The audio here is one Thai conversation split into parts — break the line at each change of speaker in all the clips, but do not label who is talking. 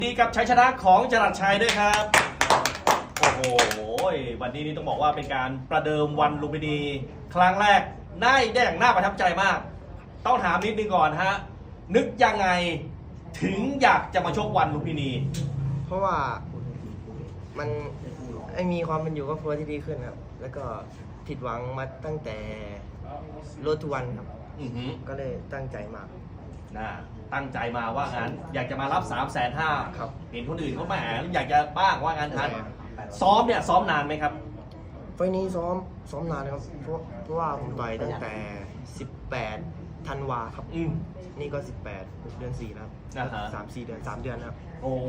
ดีกับชัยชนะของจรัสชัยด้วยครับโอ้โหวันนี้นี่ต้องบอกว่าเป็นการประเดิมวันลุมพินีครั้งแรกได้อย่างน่าประทับใจมากต้องถามนิดนึงก่อนฮะนึกยังไงถึงอยากจะมาชกวันลุมพินี
เพราะว่ามันมีความเป็นอยู่ครอบครัวที่ดีขึ้นครับแล้วก็ผิดหวังมาตั้งแต่รถทุกวันครับก็เลยตั้งใจมาก
ตั้งใจมาว่างั้นอยากจะมารับ 350,000
ครับ
เห็นคนอื่นเขาแหมอยากจะบ้างว่างั้นทันซ้อมเนี่ยซ้อมนานไหมครับ
ไฟนี้ซ้อมนานครับเพราะว่าผมต่อยตั้งแต่18 ธันวาครับนี่ก็18 เดือน4ครับ3-4 เดือน3 เดือนครับ
โอ้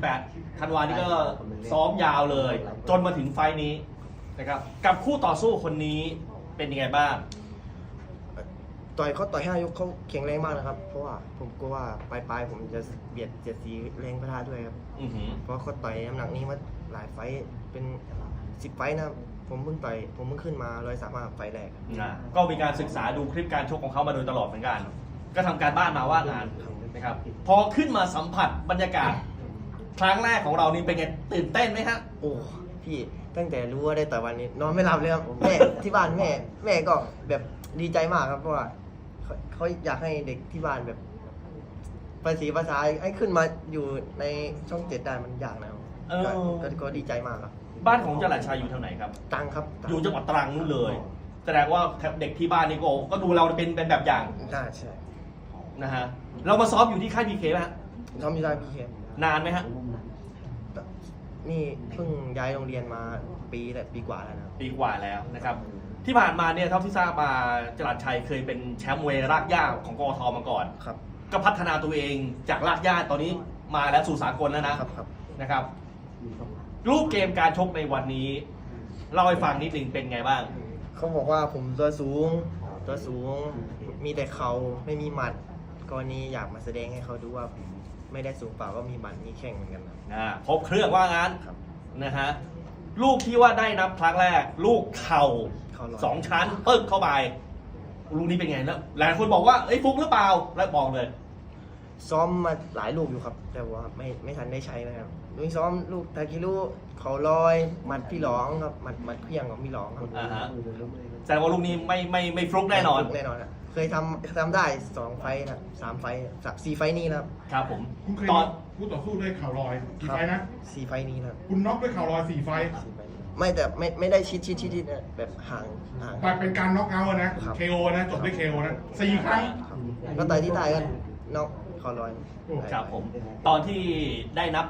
18 ธันวานี่ก็ซ้อมยาวเลยจนมาถึงไฟนี้นะครับกับคู่ต่อสู้คนนี้เป็นยังไงบ้าง
ต่อย5 ยกเขาแข็งแรงมากนะครับเพราะว่าผมกลัวว่าปลายผมจะเบียดเสียดสีแรงประทะด้วยครับเพราะเขาต่อยน้ำหนักนี้มาหลายไฟเป็น10 ไฟนะผมเพิ่งขึ้นมา135 ไฟแรก
ก็มีการศึกษาดูคลิปการชกของเขามาโดยตลอดเหมือนกันก็ทำการบ้านมาว่างานนะครับพอขึ้นมาสัมผัสบรรยากาศครั้งแรกของเรานี่เป็นไงตื่นเต้นไหมฮะ
โอ้พี่ตั้งแต่รู้ว่าได้ต่อยวันนี้นอนไม่หลับเลยครับแม่ที่บ้านแม่ก็แบบดีใจมากครับเพราะว่าเขาอยากให้เด็กที่บ้านแบบภาษาให้ขึ้นมาอยู่ในช่อง7ได้มันยากนะครับก็ดีใจมากครับ
บ้านของจรัสชัยอยู่ทางไหนครับ
ตรังครับ
อยู่จังหวัดตรังนู่นเลยแสดงว่าเด็กที่บ้านนี่ก็ดูเราเป็นแบบอย่าง
ใช่
นะฮะเรามาซ้อมอยู่ที่ค่ายพีเคไหมฮะ
ซ้อมอยู่ที่พีเคน
านไหมฮะ
นี่เพิ่งย้ายโรงเรียนมาปีกว่าแล้วนะ
ปีกว่าแล้วนะครับที่ผ่านมาเนี่ยเท่าที่ทราบมาจรัสชัยเคยเป็นแชมป์มวยรากหญ้าของกทมาก่อน
ครับ
ก็พัฒนาตัวเองจากรากหญ้าตอนนี้มาแล้วสู่สากลแล้วนะครับรูปเกมการชกในวันนี้เล่าให้ฟังนิดนึงเป็นไงบ้าง
เขาบอกว่าผมตัวสูงมีแต่เขาไม่มีหมัดกรณีอยากมาแสดงให้เขาดูว่าไม่ได้สูงเปล่าก็มีหมัดมีแข้งเหมือนกัน
ครบเครื่องว่างั้นนะฮะลูกที่ว่าได้นับครั้งแรกลูกเข่า2 ชั้นปึ๊กเข้าไปลูกนี้เป็นไงแล้วหลายคนบอกว่าไอ้ฟุกหรือเปล่าแล้วบอกเลย
ซ้อมมาหลายลูกอยู่ครับแต่ว่าไม่ทันได้ใช้นะครับลูกซ้อมลูกทาคิรุเขาลอยหมัดพี่หลองครับหมัดเพียงของพี่หลองครับ
แสดงว่าลูกนี้ไม่ฟลุกแน่นอน
นะเคยทำได้2 ไฟนะ3 ไฟ4 ไฟนี้นะครับ
ผม
คุณเคยคู่ต่อสู้ด้วยเข่าลอยกี่ไฟนะ
4 ไฟนี้นะ
คุณน็อกด้วยเข่าลอย4 ไฟ
ไม่แต่ไม่ได้ชิดแบบห่าง
แต่เป็นการน็อกเอาท์นะ KO นะจบด้วย KO นะ4 ครั้ง
ก็ต่อยที่ตายกันน็อกเข่าลอย
ครับผมตอนที่ได้นับ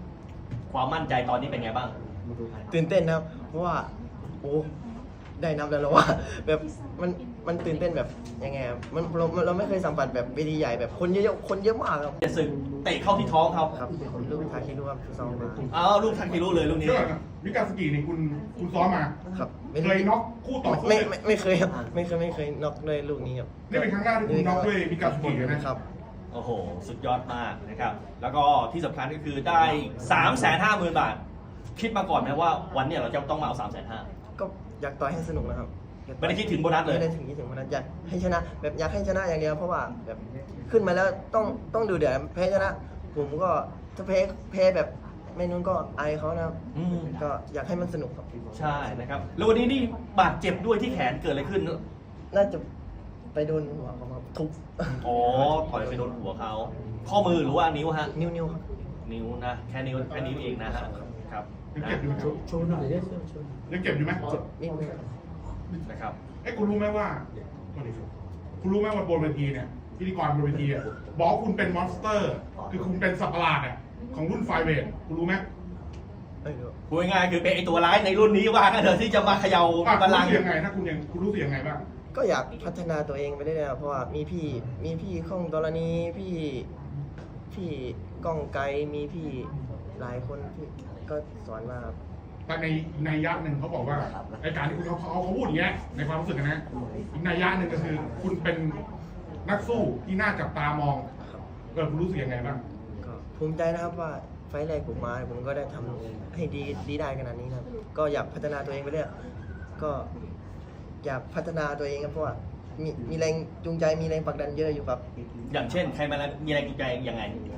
8ความมั่นใจตอนนี้เป็นไงบ้าง
ตื่นเต้นนะครับเพราะว่าโอ้ได้นับแล้วว่าแบบมันตื่นเต้นแบบยังไงมันเราไม่เคยสัมผัสแบบเวทีใหญ่แบบคนเยอะมากครับ
จะสึกเตะเข้าที่ท้องเขา
ครับลูกทาคิรุครับซ้อมมา
ลูกทาคิรุเลยลูกนี้
มิกาสกินี่คุณซ้อมมา
ครับ
เคยน็อกคู่ต่อสู้
ไม่เคยครับไม่เคยน็อกเลยลูกนี้ครับ
นี่เป็นครั้งแรกที่คุณน็อกด้วยมิกาสกิ
นะครับ
โอ้โหสุดยอดมากนะครับแล้วก็ที่สำคัญก็คือได้ 350,000 บาทคิดมาก่อนไหมว่าวันนี้เราจะต้องมาเอา 350,000
ก็อยากต่อยให้สนุกนะครับ
ไม่ได้คิดถึงโบนัสเลย
ไม่ได้ถึงโบนัสอยากให้ชนะแบบอยากให้ชนะอย่างเดียวเพราะว่าแบบขึ้นมาแล้วต้องดูเดือดแพ้ชนะผมก็ถ้าแพ้แบบไม่นู้นก็อายเขานะครับก็อยากให้มันสนุกครับ
ใช่นะครับแล้ววันนี้นี่บาดเจ็บด้วยที่แขนเกิดอะไรขึ้น
น่าจะไปโดนหัวเขาทุบ
ถอยไปโดนหัวเขาข้อมือหรือว่านิ้วฮะ
นิ้วครับ
นิ้วนะแค่นิ้วเองนะฮะครับ
ยังเจ็บอยู่ไหมโชว์หน่อยยังเจ็บอยู่ไหม
นิดนึง
นะครับ
คุณรู้ไหมว่าบนเวทีเนี่ยพิธีกรบนเวทีบอกคุณเป็นมอนสเตอร์คือคุณเป็นสัตว์ประหลาดของรุ่นไฟเวทคุณรู้ไหม
พูดง่ายๆคือเป็นไอตัวร้ายในรุ่นนี้ว่ากันเถอะที่จะมาเขย่าบัลลังก์
ยังไงถ้าคุณรู้สึกยังไงบ้าง
ก็อยากพัฒนาตัวเองไปเรื่อยๆเพราะว่ามีพี่ข้องตรณีพี่ก้องไกลมีพี่หลายคนที่ก็สอนมา
แต่ในยักษ์หนึ่งเขาบอกว่าไอการที่คุณเขาพูดอย่างเงี้ยในความรู้สึกนะอีกในยักษ์หนึ่งก็คือคุณเป็นนักสู้ที่น่าจับตามองคุณรู้สึกยังไงบ้าง
ก็ภูมิใจนะครับว่าไฟแรกผมมาผมก็ได้ทำให้ดีได้ขนาดนี้นะครับก็อยากพัฒนาตัวเองไปเรื่อยก็อยากพัฒนาตัวเองครับเพราะว่ามีแรงจูงใจมีแรงผลักดันเยอะอยู่ครับ
อย่างเช่นใครมามีแรงจูงใจยังไง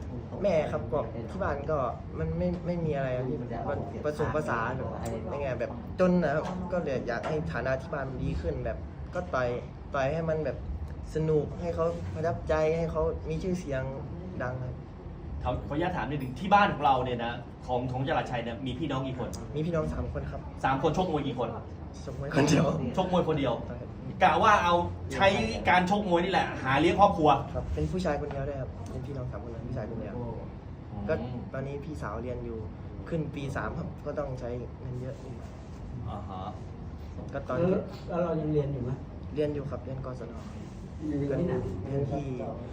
แม่ครับก็ที่บ้านก็มันไม่มีอะไรครับพี่มันผสมภาษานแบบยังไงแบบจนนะครับก็เลยอยากให้ฐานะที่บ้านมันดีขึ้นแบบก็ต่อยให้มันแบบสนุกให้เขาประทับใจให้เขามีชื่อเสียงดังครับ
ขออนุญาตถามนิดนึงที่บ้านของเราเนี่ยนะของจรัสชัยเนี่ยมีพี่น้องกี่คน
มีพี่น้อง3 คนครับ
3 คนชกมวยกี่คน
สมมติคนเดียว
ชกมวยคนเดียวกะว่าเอาใช้การชกมวยนี่แหละหาเลี้ยงครอบครัว
ครับเป็นผู้ชายคนเดียวด้วยครับเป็นพี่น้อง3 คนเป็นผู้ชายคนเดียวก็ตอนนี้พี่สาวเรียนอยู่ขึ้นปี 3ครับก็ต้องใช้เงินเยอะ
อ่าฮะ
ก็ตอน
แล้วเรายังเรียนอยู่ไหม
เรียนอยู่ครับเรียนกศน
เรียน
ก็
ที่ไหน
เรียนที่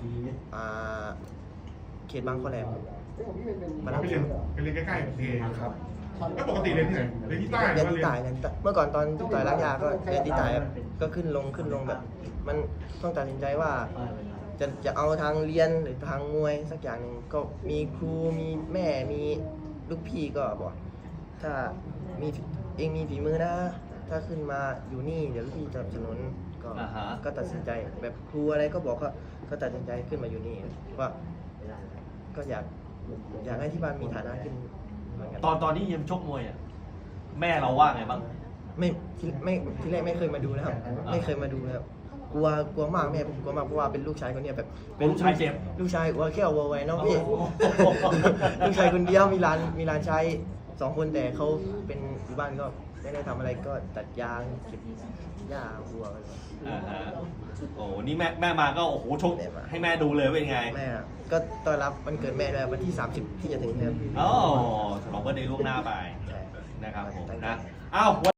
เขตบางขอแหลมครับ
ไปเรียนใกล้ๆเองครับแล้วปกติเรียนที่ไหนเรียนที่ใต้หรื
เรีย
อน ว่า
ที่
เรียน
ใต้เรียนที่ใต้เมื่อก่อนตอนที่ต่อยรักยาก็เรียนที่ใต้ครับก็ขึ้นลงแบบ มันต้องตัดสินใจว่า จะเอาทางเรียนหรือทางมวยสักอย่างหนึ่งก็มีครูมีแม่มีลูกพี่ก็บอกถ้ามีเองมีฝีมือนะ ถ้าขึ้นมาอยู่นี่เดี๋ยวลูกพี่จะสนับสนุนก็ตัดสินใจแบบครูอะไรก็บอกก็ตัดสินใจขึ้นมาอยู่นี่ว่าก็อยากให้ที่บ้านมีฐานะขึ้นเหมือนกัน
ตอนที่ยังชกมวยอ่ะแม่เราว่าไงบ้าง
ทีแรกไม่เคยมาดูนะครับ ไม่เคยมาดูนะครับกลัวมากแม่ผมกลัวมากเพราะว่าเป็นลูกชายคนเนี้ยแบบ
เป็นลูกชายเจ็บ
ลูกชายหัวแก้ววัวไวเนาะพี่
โอ้โห
ลูกชายคนเดียวมีร้านชาย2 คนแต่เขาเป็นอยู่บ้านก็ไม่ได้ทำอะไรก็ตัดยางเก็บหญ้าวัวอะไรแบบ
อ่าฮะโอ้นี่แม่มาก็โอ้โหชก
แม่มา
ให้แม่ดูเลยเป็นไง
แม่อะก็ต้อนรับวันเกิดแม่ด้วยวันที่ 30 ที่จะถึงนี้ครับ
อ๋อฉลองเบิร์ธเดย์ล่วงหน้าไป
ใช่
นะครับผม
ตั้งใจ
นะอ้าว